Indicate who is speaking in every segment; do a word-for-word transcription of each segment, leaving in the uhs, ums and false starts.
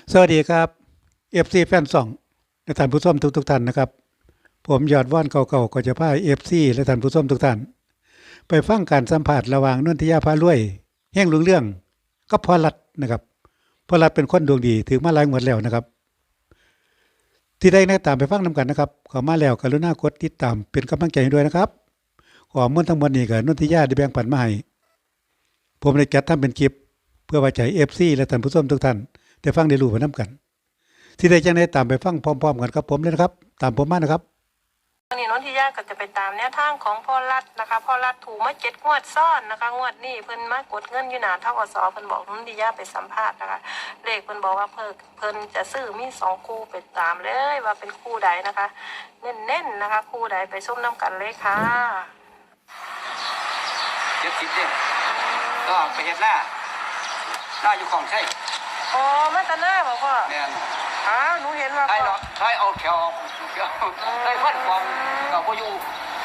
Speaker 1: สวัสดีครับ เอฟ ซี แฟนช่องและท่านผู้ชมทุกๆท่านนะครับผมยอดว่านเก่าๆก็จะพา เอฟ ซี และท่านผู้ชมทุกท่านไปฟังการสัมภาษณ์ระหว่างนนทิยาพารวยแห่งรุ่งเรืองกับพ่อรัฐนะครับพ่อรัฐเป็นคนดวงดีถึงมาหลายงวดแล้วนะครับที่ได้แนะตามไปฟังนํกันนะครับเข้ามาแล้วกรุณากดติดตามเป็นกำลังใจให้ด้วยนะครับข้อมูลทั้งหมดนี้ก็นนทิยาได้แบ่งปันมาให้ผมได้จัดทำเป็นคลิปเพื่อไว้ใจ เอฟ ซี และท่านผู้ชมทุกท่านได้ฟังได้รู้ไปนํกันที่ได้จังได้ตามไปฟังพร้อมๆกันครับผมเลยนะครับตามผมมานะครับ
Speaker 2: วันนี้นนทิยาก็จะไปตามแนวทางของพ่อรัฐนะคะพ่อรัฐถูกมาเจ็ดงวดซ้อนนะคะงวดนี้เพิ่นมากดเงินอยู่หนาเท่ากับสอเพิ่นบอกนนทิยาไปสัมภาษณ์นะคะเลขเพิ่นบอกว่าเพิ่นเพิ่นจะซื้อมีสองคู่ไปตามเลยว่าเป็นคู่ใดนะคะเน้นๆนะคะคู่ใดไปส้มน้ำกันเลยค่ะ
Speaker 3: เจ็ดสิบเด้งก็ไปเห็ดหน้าหน้าอยู่ของใช่
Speaker 2: อ๋อมาตาหน้าบอกพ่อ
Speaker 3: เนี่ย
Speaker 2: อ้าวหนูเห็นว่า
Speaker 3: ใช่หรอใช่เอาแถวใช่พัดความกับพ่ออยู่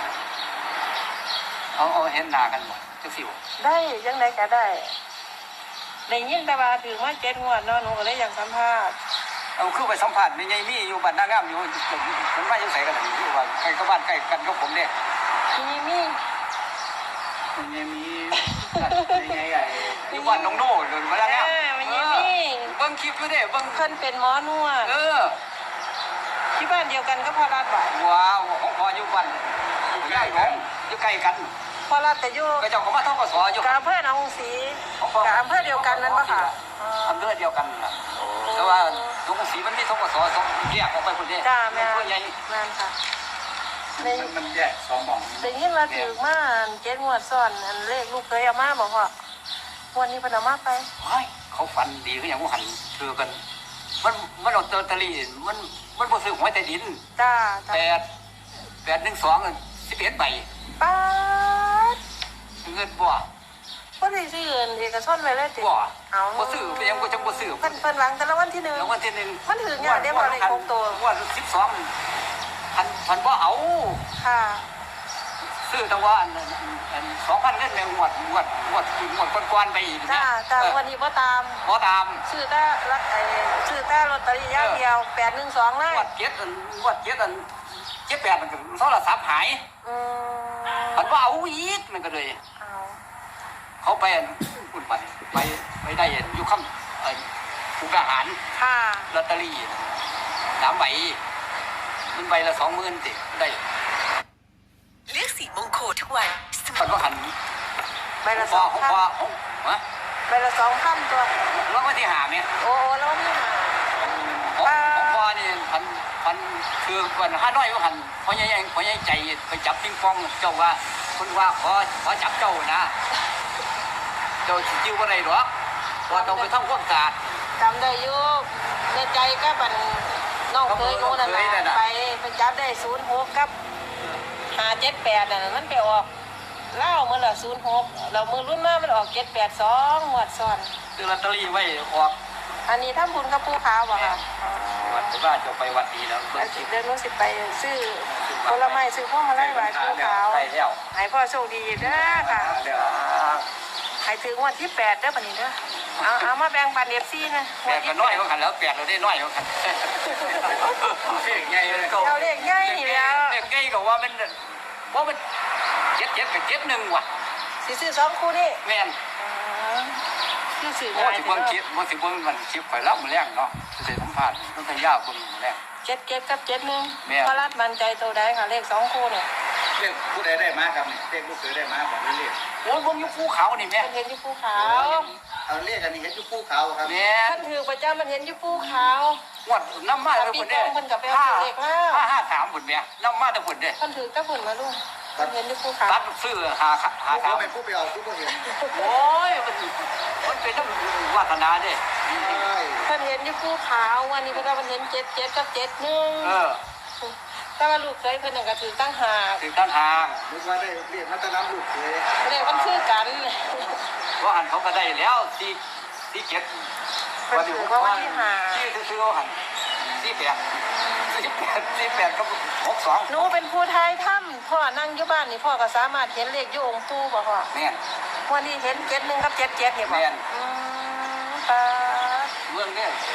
Speaker 3: เอาเอาเห็นหน้ากันจะสิว
Speaker 2: ได้ยังไงก็ได้ได้ยินแต่ว่าถึงว่าเจ็ดงวดเนาะหนูก็เลยอยากสัมภาษณ์
Speaker 3: เอาคือไปสัมผัสในยัยมีอยู่บ้านนางงามอยู่ผมว่ายังใส่กันอยู่ว่าใกล้กับบ้านใกล้กันกับผมเนี่ย
Speaker 2: มีมี
Speaker 3: มันยังมียังไงไงอยู่บ้านน้องโน่เลยมาแล้วเนี่ย
Speaker 2: มันยังมี
Speaker 3: เบิ้งคลิปอยู่เนี่ยเบิ้ง
Speaker 2: เพิ่นเป็นหมอนวด
Speaker 3: เออ
Speaker 2: ที่บ้านเดียวกันก็พ่อรัฐบ่
Speaker 3: ว้าวของพ่ออยู่บ้านอยู่ใกล้กันอยู่ใกล้กัน
Speaker 2: พ่อรัฐแต่อยู่
Speaker 3: ก็เจ้าของมาท่องกสอยู่
Speaker 2: กับอำเภอหนองสีกับอำเภอเดียวกันนั่นปะค่ะ
Speaker 3: อำเภอเดียวกันนะแต่ว่าหนองสีมันมีท่องกสสองแยกออกไปคนเดียว
Speaker 2: จ้าแม่
Speaker 3: ใหญ่
Speaker 2: แม่ค่ะ
Speaker 3: มันแยกสองหม่อง
Speaker 2: ได้ยินว่าถือมาเจ็ดงวดซ้อนอันเลขลูกเคยเอามาบอกว่าวันนี้เพิ่นเอามาไป
Speaker 3: เขาฝันดีก็อย่างว่าหันเถือกันมันมันเอาเตอร์ตะลีมันมันบ่ซื้อหวยใต้ดิน
Speaker 2: จ้า
Speaker 3: แปดแปดหนึ่งสองสิบเอ็ดใบ
Speaker 2: ป้า
Speaker 3: เงินบ่
Speaker 2: ก็ได้ซื้อเอกชนไว้เลย
Speaker 3: ติบ่เอาบ่ซื้อไปยังบ่จังบ่ซื้อ
Speaker 2: เพิ่นเพิ่นหลังแต่ละวันที่หนึ่ง
Speaker 3: รางวัลที่หนึ่ง
Speaker 2: มันถือเนี่ยได้บ่ได้ครบตัว
Speaker 3: วันสิบสองพันพันบ่เอา
Speaker 2: ค่ะ
Speaker 3: ซื้อแต่ว่าอันอันสองพันเงินแมงวดงวดงวดงวดกวนๆไปอีก
Speaker 2: จ้าจ้าวันนี้บ่ตาม
Speaker 3: บ่ตาม
Speaker 2: ซื้อแต่รักไอ้ซื้อแต่ลอตเตอรี่อย่างเดียวแปดหนึ่งสองเลย
Speaker 3: งวดเจ็ดอันงวดเจ็ดอันเจ็ดแปดมันก็โทรศัพท์หาย
Speaker 2: อืม
Speaker 3: พันบ่เอาอีกมันก็เลย
Speaker 2: เอา
Speaker 3: เขาไปอันอุ่นไปไปไปได้อยู่ค่ำไอ้ผู้ทหาร
Speaker 2: ค่ะ
Speaker 3: ลอตเตอรี่สามใบมันใบละสองหมื่นติได้
Speaker 4: เลือกสีมงคลทุกวัน
Speaker 3: มันก็หัน
Speaker 2: ใบละสองพัน
Speaker 3: ฮะ
Speaker 2: ใบละสองพันตัว
Speaker 3: แล้ววันที่หาเนี่ย
Speaker 2: โอ้แล้ววันที่หา
Speaker 3: ของพ่อนี่พันพันคือวันห้าน้อยว่าหันพ่อใหญ่พ่อใหญ่ใจไปจับปิงปองเจ้าว่าคนว่าขอขอจับเจ้านะเจ้าจิ้วอะไรหรอกว่าต้องไปทำความสะอาด
Speaker 2: จำได้อยู่ในใจก็บันน้องเคยรู้นั่นนะไปไปจับได้ศูนย์หกกับหาเจ็ดแปดนั่นมันไปออกเล่าเมื่อละศูนย์หกเรามือรุ่นมามันออกเจ็ดแปดสองหวดซ้อน
Speaker 3: ซื้อลอตเตอรี่ไว้ออก
Speaker 2: อันนี้ถ้าบุญกับผู้ขาวบ่ค่ะ
Speaker 3: วัดบ้านจะไปวัดดีแล้ว
Speaker 2: เดินนู้นสิไปซื้อผลไม้ซื้อพวกมาไล่ไหวผู้ขาวให้พ่อโชคดีเด้อค่ะให้ถึงวันที่แปดเด้อปะนี้เด้อเอาเอามาแบ่งปันเอฟซีนะ
Speaker 3: แปดก็น้อยกว่ากันแล้วแปดเราได้น้อยกว่ากันเลขใหญ่เลยก็
Speaker 2: เราเลขใหญ่แล้ว
Speaker 3: เลขใหญ่ก็ว่ามันว่ามันเจ็ดเจ็ดกับเจ็ดหนึ่งว่ะ
Speaker 2: สิซื้อสองคู่นี่
Speaker 3: แม่น
Speaker 2: ซื้อสื่อ
Speaker 3: ง่ายมันคิดมันสิบมันมันคิดข่อยเล่ามาแรงเนาะจะสัมภาษณ์ต้องพยายามคนมาแรง
Speaker 2: เจ็ดเจ็ดกับเจ็ดหนึ่งพระรัตมันใจโตได้ค่ะเลขสองคู่เนี่ย
Speaker 3: เลขผู้ใดได้มาครับเลขลูกเคยได้มาแบบนี้เลขโอ้ยบนยุคภูเขานี่แม่
Speaker 2: เห็นยุคภูเขา
Speaker 3: เอาเลขอันนี้เห็นยุคภูเขาครับ
Speaker 2: แม่ท่านถือประจำมันเห็นยุคภูเขา
Speaker 3: วัดน้ำมาเลยคนเดียว
Speaker 2: ห้า
Speaker 3: ห้าห้าสามคนเนี้ยน้ำมาแต่คนเดียว
Speaker 2: ท่านถือก็ผลมาลูกเห็นยุคภูเขา
Speaker 3: ตัดซื้อหาหาสาม
Speaker 5: ไปผู้ไปเอาผู้ก็เห็น
Speaker 3: โอ้ยมันมันเป็นน้ำวาสนาเด้
Speaker 2: ท่านเห็นยุคภูเขาวันนี้พระมันเห็นเจ็ดเจ็ดกับเจ็ดหนึ่งแต่ว่าลูกเคยเพิ่นนั่นก็ถือตั้งหา
Speaker 3: ถือตั้งหา
Speaker 5: นึกว่าได้เรียกมัตน้ำลูกเคย
Speaker 2: เรียกมันคือกัน
Speaker 3: ว่าหันเขาก็ได้แล้วที่ที่เจ็ด
Speaker 2: วันนี้ว่าวันที่หา
Speaker 3: ที่ซื้อเขาหันที่แปดที่แปดที่แปดก็หกสอง
Speaker 2: หนูเป็นผู้ไทยถ้ำพ่อนั่งอยู่บ้านนี่พ่อก็สามารถเห็นเลขอยู่องค์ปู่บ่พ่อ
Speaker 3: แม่น
Speaker 2: วันนี้เห็นเจ็ดหนึ่งกับเจ็ดเจ็ดเห็นบ่
Speaker 3: แม่น
Speaker 2: อืมตา
Speaker 3: เมืองเนี่ย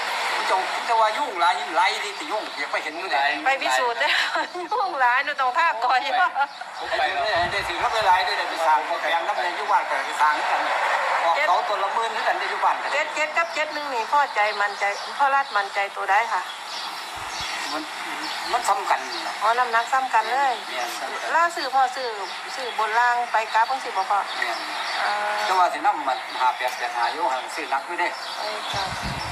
Speaker 3: จ้าแต่ว่ายุ่งหลายหลายที่สิยุ่งอยากไปเห็นมื้อใด
Speaker 2: ไปพิสูจน์ได้ยุ่งหลายหนูต้องท่าก่อนใช่ปะ
Speaker 3: ไปเลยได้ถือรับหลายๆได้ไปสร้างโปรแกรมรับในอยู่บ้านก็สร้างกันออกเสาต้นละหมื่นกันได้อยู่บ้าน
Speaker 2: เจ็ดเจ็ดกับเจ็ดหนึ่งนี่พ่อใจมันใจพ่อรัดมันใจตัวได้ค่ะ
Speaker 3: มันมันสำคัญนะ
Speaker 2: อ๋อน้ำหนักซ้ำกันเลย
Speaker 3: เนี่ย
Speaker 2: ล่าสื่อพ่อสื่อสื่อบนล่างไปกราฟเพิ่งสิบ่พ่อ
Speaker 3: เนี่ย
Speaker 2: อ่า
Speaker 3: แต่ว่าสินำมันหาแปดแปดหาอยู่ห่างซื้อนักไม่ได้
Speaker 2: เอ้ยค่ะ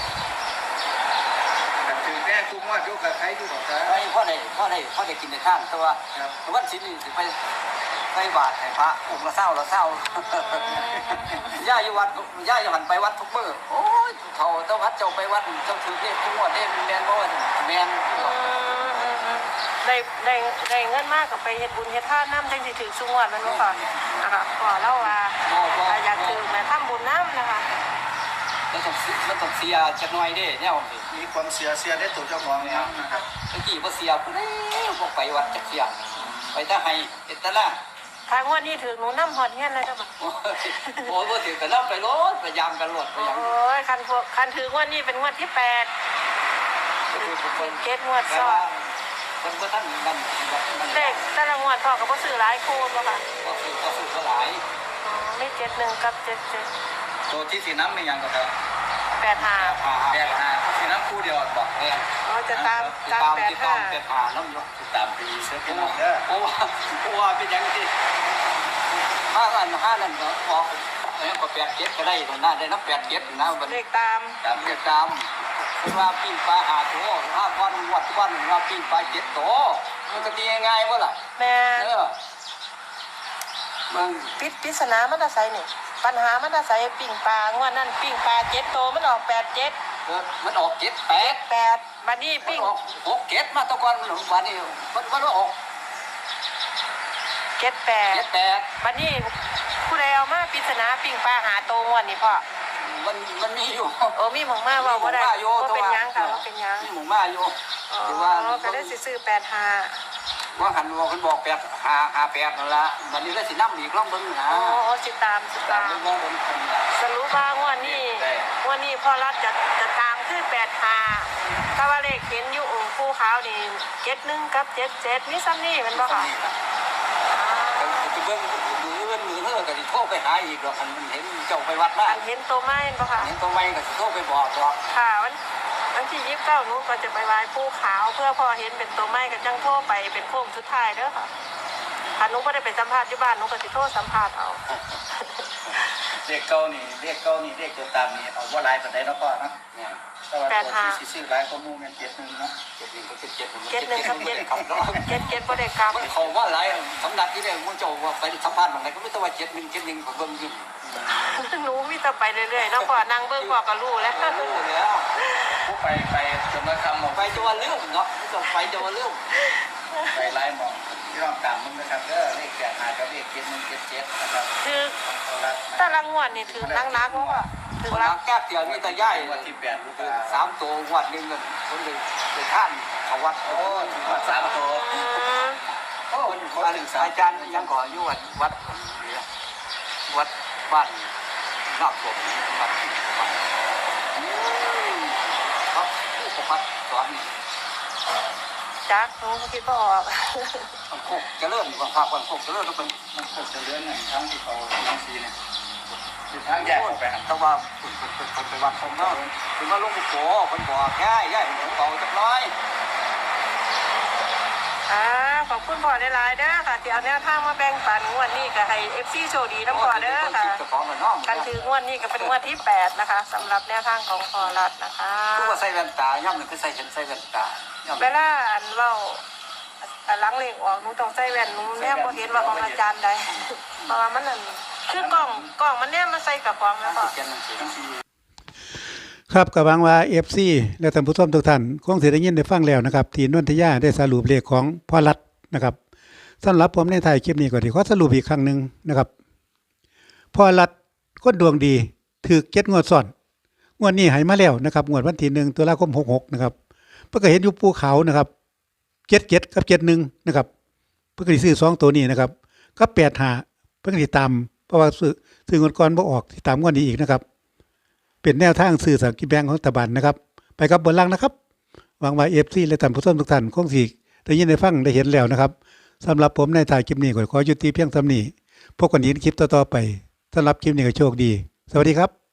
Speaker 5: แต่ถือแม่คุ้มว่าดูกับใครอยู่กับใคร
Speaker 3: ไอ้พ่อได้พ่อได้พ่อได้กินในข้างแต่ว่า
Speaker 5: ครับ
Speaker 3: วันศิลป์นี่สิไปใส่บาตรให้พระองค์ละเศร้าละเศร้าย่าอยู่วัดย่าอยู่หันไปวัดทุกมื้อโอ้ยเขาเจ้าวัดเจ้าไปวัดเจ้าถือเลขทุกงวดเด้แม่นบ่ว่าแม่น
Speaker 2: อืมอืมอืมได้ได้ได้เงินมากกับไปเฮ็ดบุญเฮ็ดทานน้ำจังสิถือสุงวดมันบ่ค่ะนะคะพ่อเล่าว่า
Speaker 3: บ่บ่
Speaker 2: ถ้าอยากถือแม่ทำบุญน้ำนะคะ
Speaker 3: มันต้องมันต้องเสียจักหน่อยเด้แนวนี้
Speaker 5: มีความเสียเสียได้ตัวเจ้าของเนี่ยนะครับ
Speaker 3: ตะกี้บ่เสียผู้ใดบ่ไปวัดจักเสียไปแต่ให้เฮ็ดแต่ละ
Speaker 2: ทางวันนี้ถือหนูน้ำหอดเงี้ยเลยจ้ะบ่
Speaker 3: โอ้ยโอ้ยบ่ถือแต่นำไปรถพยายามกันรถพยายาม
Speaker 2: โอ้ยคันพวกคันถือวันนี้เป็นงวดที่แปดเกตงวด
Speaker 3: แต่
Speaker 2: ซ้อ
Speaker 3: ว่าน เพิ่นบ่ทันนั่นนั่น
Speaker 2: เลขแต่ละงวดพ่อก็บ่ซื้อหลายคู่บ่ค่ะ
Speaker 3: ก็คือก็คือก็หลาย
Speaker 2: อ๋อมีเจ็ดหนึ่งกับเจ็ดเจ็ด
Speaker 5: ตัวที่สีน้ำไม่ยังก็ครับ
Speaker 2: แปดห้า
Speaker 3: หา
Speaker 5: แปดห้าสีน้ำคู่เดียวบอก
Speaker 3: แม่น
Speaker 2: อ๋อจะตามตาม
Speaker 3: ตาม
Speaker 2: แปด
Speaker 3: ติด
Speaker 2: ห้า
Speaker 3: ตามแปดหาน้ำอยู่
Speaker 5: ตามปีเสื้อพี่น้องเด้อ
Speaker 3: เพราะว่าเพราะว่าเป็นอย่างที่ห้าอันห้านั่นก็บอกเอ้ยก็แปดเจ็ดก็ได้ตรงนั้นได้นับแปดเจ็ดนะมัน
Speaker 2: เลขตาม
Speaker 3: ตามเรียกตามคือว่าปิ้งปลาหาตัวห้าวันวัดวันว่าปิ้งปลาเจ็ดตัวมันก็ดีง่ายๆว่าล่ะ
Speaker 2: แม่
Speaker 3: เออมัน
Speaker 2: ปิดปริศนามันจะใส่นี่ปัญหามันจะใส่ปิ่งปลางวดนั้นปิ่งปลาเจ็ดโตมันออกแปดเจ็ด
Speaker 3: เออมันออกเจ็ดแปด
Speaker 2: แปดบัดนี้
Speaker 3: มัน
Speaker 2: ปิ่ง
Speaker 3: ออกหกเจ็ดมาตะกอนมันวันนี้มันมันออก
Speaker 2: เจ็ดแปด
Speaker 3: เจ็ดแปด
Speaker 2: บัดนี้ผู้ใดเอามาปริศนาปิ่งปลาหาโตงวดนี่พ่อ
Speaker 3: มันมันมีอยู่
Speaker 2: โอ้มีหมองมาว่าบ่ได้บ่เป็นหยังค่ะบ่เป็นหยัง
Speaker 3: มีหมูมาอยู่
Speaker 2: อ๋อ
Speaker 3: คือว่า
Speaker 2: ก็ได้สิซื้อแปดห้า
Speaker 3: ว่าหันบอกคนบอกแปดหาหาแปดนั่นละวันนี้ก็สิน้ำอีกรอบเบิ้งนะ
Speaker 2: อ๋อสิตามสิ
Speaker 3: ตา
Speaker 2: ตาม ม
Speaker 3: เบิ้งมองเบิ้งคนละ
Speaker 2: สรุปว่างวดนี้งวดนี้พ่อรัฐจะจะตามคือแปดห้าถ้าว่าเลขเห็นอยู่องค์ผู้ขาวนี่เจ็ดหนึ่งกับเจ็ดเจ็ดมีซ้ำนี่แมันบ่ค่ะ
Speaker 3: จะเบิ้งมือเบิ้งมือเธอก็สิโทรไปหาอีกหรอกอันมันเห็นเจ้าไปวัดมา
Speaker 2: อันเห็นตัวไม้บ่ค่ะ
Speaker 3: เห็นตัวไม่ก็สิโทรไปบอกบอก
Speaker 2: ค่ะวันวันที่ยี่สิบเก้าหนูก็จะไปไหว้ผู้ขาวเพื่อพอเห็นเป็นตัวไม้ก็จังโทรไปเป็นโค้งสุดท้ายเด้อค่ะถ้าหนูไม่ได้ไปสัมภาษณ์ที่บ้านหนูก็สิโทรสัมภาษณ์เอา
Speaker 5: เรียกเก้านี่เรียกเก้านี่เรียกตัวตามนี่เอาว่าลายปันไดแล้วก็นะ
Speaker 3: เนี่ย
Speaker 5: แต่ว่าตัวที่ซื้อลายก็มูเงินเจ็ดหนึ่งเนาะ
Speaker 3: เจ็ดหนึ่งก็เจ็ด
Speaker 2: เจ็ดหนึ่งกับเจ็ด
Speaker 3: คำร้อง
Speaker 2: เจ็ดเจ็ดบ่ได้กลับ
Speaker 3: มันเขาว่าไรสำนักที่ได้มึงเจ้าว่าไปสัมภาษณ์บางไรก็ไม่ต้องว่าเจ็ดหนึ่งเจ็ดหนึ่งผมเบิ้งอยู่
Speaker 2: หนูมีแต่ไปเรื่อยๆแล้วพอนั่งเบิ่งพอก็รู้แล้ว
Speaker 3: รู้แล้ว
Speaker 5: ผู้ไปไปจนมาคำหมด
Speaker 3: ไปจะว่าเรื่องเนาะไม่ต้องไปจะว่าเรื่อง
Speaker 5: ไปไล่มองที่เราตามมึงนะครับเด้อเลขแปดห้ากับเลขเจ็ดหนึ่งเจ็ดเจ็ดนะครับ
Speaker 2: คือ
Speaker 5: เอาละ
Speaker 2: แต่ละงวดนี่ถือนักๆเพราะว่าถือ
Speaker 3: คน
Speaker 2: รั
Speaker 3: รั
Speaker 2: ก
Speaker 3: กแก้เตียวนี่ตาย่าย
Speaker 5: วันที่แปดลูก
Speaker 3: สามตัววัดหนึ่งเงินคนหนึ่งไปท่านเขาวัด
Speaker 5: โอ้ถึงวัดสามตัว
Speaker 2: อืม
Speaker 3: โอ้อาจารย์ยังก่ออยู่วัดวัดวัดบ้านนอกผมวัดเขาผู้ประพัดสอน
Speaker 2: จักหนูก็คิดบ่ออก
Speaker 3: มันโคกจะเริ่มความภาคความโคกจะเริ่มแล้วเป็น
Speaker 5: มันคงจะเลื่อนหนึ่งครั้งที่เขาลังซีเนี่ยคือทางแยกออกไปครับ
Speaker 3: แต่ว่าคนไปวัดผมเนาะถึงว่าลุงปู่โผคนบอกง่ายง่ายผมเบาจักน้อย
Speaker 2: อ่าขอบคุณพ่อได้หลายๆเด้อค่ะที่เอาแนวทางมาแบ่งปันงวดนี้ก็ให้ เอฟ ซี โชคดีน้ำพ่อเด้อค่ะ
Speaker 3: จะของมันน้อง
Speaker 2: กันถืองวดนี้ก็เป็นงวดที่แปดนะคะสำหรับแนวทางของพ่อรัฐนะคะ
Speaker 3: คือว่าใส่แว่นตาย่ำหนึ่งคือใส่เห็นใส่แว่นตาย่ำ
Speaker 2: เวลาอันเว้าอันหลังเลขออกหนูต้องใส่แว่นหนูแนมบ่เห็นว่าของอาจารย์ใดเพราะว่ามันนั่นคือกล้องกล้องมันแนมมาใส่กับกล้องแล้วก็
Speaker 3: เขียนหนังสือ
Speaker 1: ครับก็หวังว่า เอฟ ซี และท่านผู้ชมทุกท่านคงสิได้ยินได้ฟังแล้วนะครับที่นนทยาได้สรุปเลขของพ่อรัฐนะครับสำหรับผมในท้ายคลิปนี้ก็ที่ขอสรุปอีกครั้งหนึงนะครับพ่อรัฐคนดวงดีถูกเจ็ดงวดซ้อนงวดนี้ให้มาแล้วนะครับงวดวันที่หนึ่งตุลาคมหกสิบหกนะครับเพิ่นก็เห็นอยู่ภูเขานะครับเจ็ดเจ็ดกับเจ็ดหนึ่งนะครับเพิ่นก็สิซื้อสองตัวนี้นะครับก็แปดห้าเพิ่นก็สิตามเพราะว่าซื้อซื้องวดก่อนบ่ออกสิตามงวดนี้อีกนะครับเป็นแนวทางซื้อสลากกินแบ่งของรัฐบาลนะครับไปกับบนล่างนะครับหวังว่า เอฟ ซี และท่านผู้ชมทุกท่านคงสิได้ยินได้ฟังได้เห็นแล้วนะครับสำหรับผมในถ่ายคลิปนี้ก็ขอยุติเพียงเท่านี้พบกันอีกในคลิปต่อๆไปสำหรับคลิปนี้ก็โชคดีสวัสดีครับ